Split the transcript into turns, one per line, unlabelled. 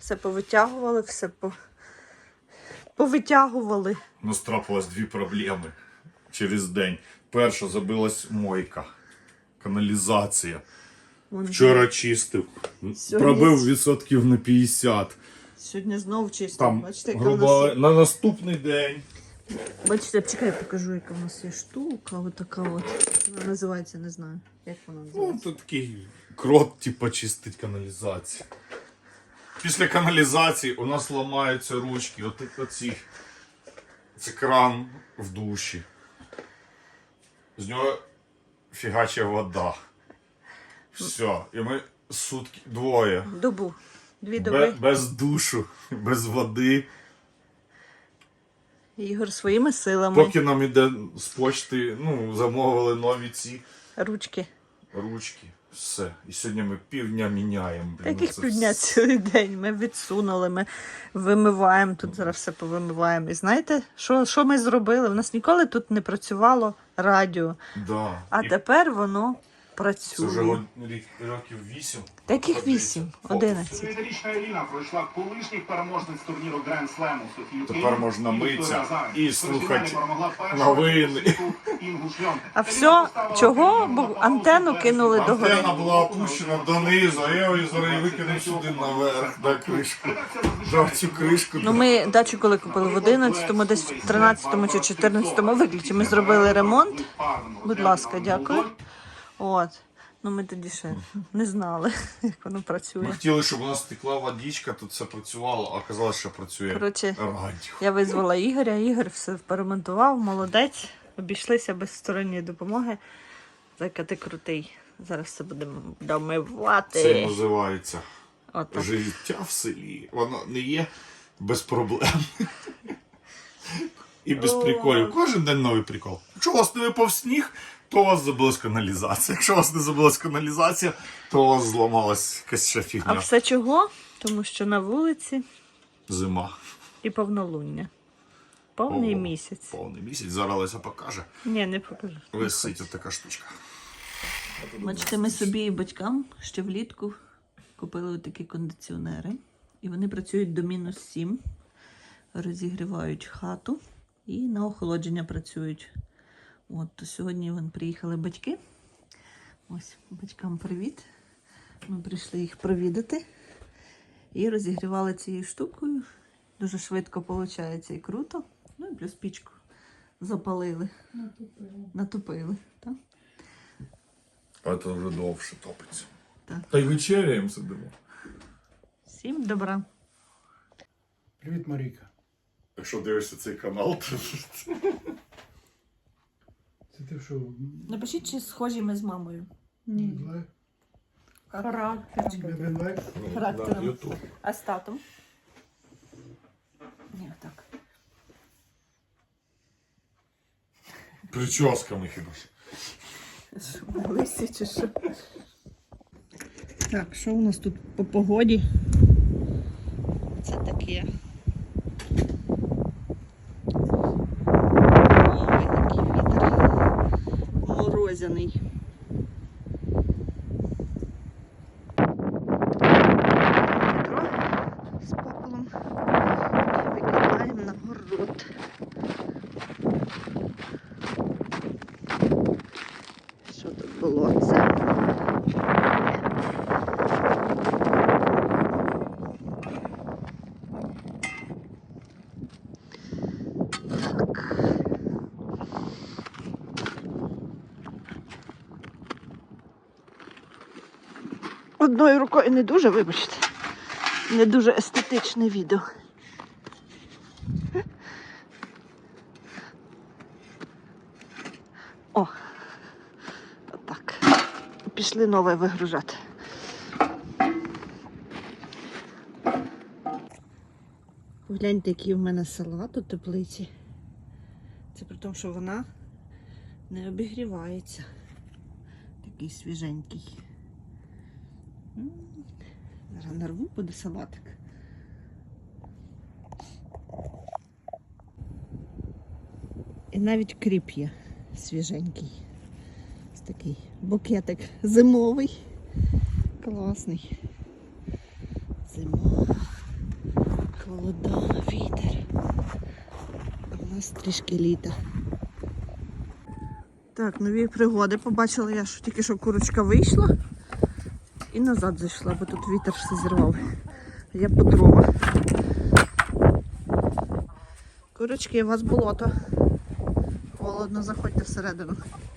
Все повитягували, все повитягували.
У нас трапилось дві проблеми через день. Перша, забилась мойка, каналізація. Вчора чистив, пробив відсотків на 50.
Сьогодні знову чисто.
Там,
Бачите, яка
грубо, на наступний день.
Бачите, чекай, я покажу, яка в нас є штука. Ось така от. Вона називається, не знаю. Як вона
Ну,
називається?
це такий крот, типу, чистить каналізацію. Після каналізації у нас ламаються ручки. Оці. Це кран в душі. З нього фігача вода. Все. І ми сутки, двоє.
Добу. 2 доби.
Без душу, без води.
Ігор своїми силами.
Поки нам іде з почти, замовили нові ці
Ручки.
ручки. Все. І сьогодні ми півдня міняємо.
Таких півдня цілий день. Ми відсунули, ми вимиваємо, тут зараз все повимиваємо. І знаєте, що ми зробили? У нас ніколи тут не працювало радіо.
Да.
А тепер воно
Це
працює.
вже років 8.
Таких 8, 11.
9-річна Еліна пройшла колишніх переможниць турніру Гранд Слему Софію
Тепер
Кейн
можна
і
митися
Вікторію Азаров.
і
В
слухати
півфіналі перемогла першу
новини.
світу Інгу Шльонтик.
А все чого? Бо антенну кинули догори.
Антенна була опущена донизу, а я її зараз викинув сюди наверх, на кришку. Жав цю кришку.
Ну, ми дачу коли купили в 11-му, десь в 13-му чи 14-му виключно. Ми зробили ремонт. Будь ласка, дякую. От. Ну ми тоді ще не знали, як воно
Ми
працює.
хотіли, щоб у нас текла водичка, тут все працювало, а оказалось, що працює
Коротше,
радіо.
я визвала Ігоря, Ігор все поремонтував, молодець. Обійшлися без сторонньої допомоги. Зайка, ти крутий. Зараз все будемо домивати.
Це називається
Отак.
життя в селі. Воно не є без проблем. І без приколів. Кожен день новий прикол. Якщо у вас не випав сніг, то у вас забилась каналізація. Якщо у вас не забилась каналізація, то у вас зламалась якась ще
А
фігня.
все чого? Тому що на вулиці
Зима.
і повнолуння. Повний місяць.
Повний місяць. Зараз Леся покаже.
Ні, не покажу.
Висить от така штучка.
Бачите, ми собі і батькам ще влітку купили такі кондиціонери. І вони працюють до -7. Розігрівають хату і на охолодження працюють. От, то сьогодні приїхали батьки. Ось, батькам привіт. Ми прийшли їх провідати. І розігрівали цією штукою. Дуже швидко виходить і круто. Ну і плюс пічку запалили. Натопили. Так?
А це вже довше топиться.
Так.
Та й вечеряємо сидимо.
Всім добра.
Привіт, Марійка.
Якщо дивишся цей канал, то...
Це ти що?
Напишіть, чи схожі ми з мамою.
Медлайф?
Характером.
Медлайф?
Характером.
Ютуб.
А з татом? Ні, так.
Прическами хіба ж.
Лисі чи що? Так, що у нас тут по погоді? Це таке. Ой, який вітер. Морозяний. Відро з попелом. І викидаємо на город. Що тут було? Це так. Одною рукою не дуже, вибачте. Не дуже естетичне відео. О, отак. Пішли нове вигружати. Погляньте, який в мене салат у теплиці. Це при тому, що вона не обігрівається. Такий свіженький. Зараз нарву, буде салатик. І навіть кріп є свіженький. Ось такий букетик зимовий. Класний. Зима. Холода, вітер. А в нас трішки літа. Так, нові пригоди. Побачила я, що тільки що курочка вийшла і назад зайшла, бо тут вітер все зірвав. Я по дрова. Курочки, у вас болото. Холодно, заходьте всередину.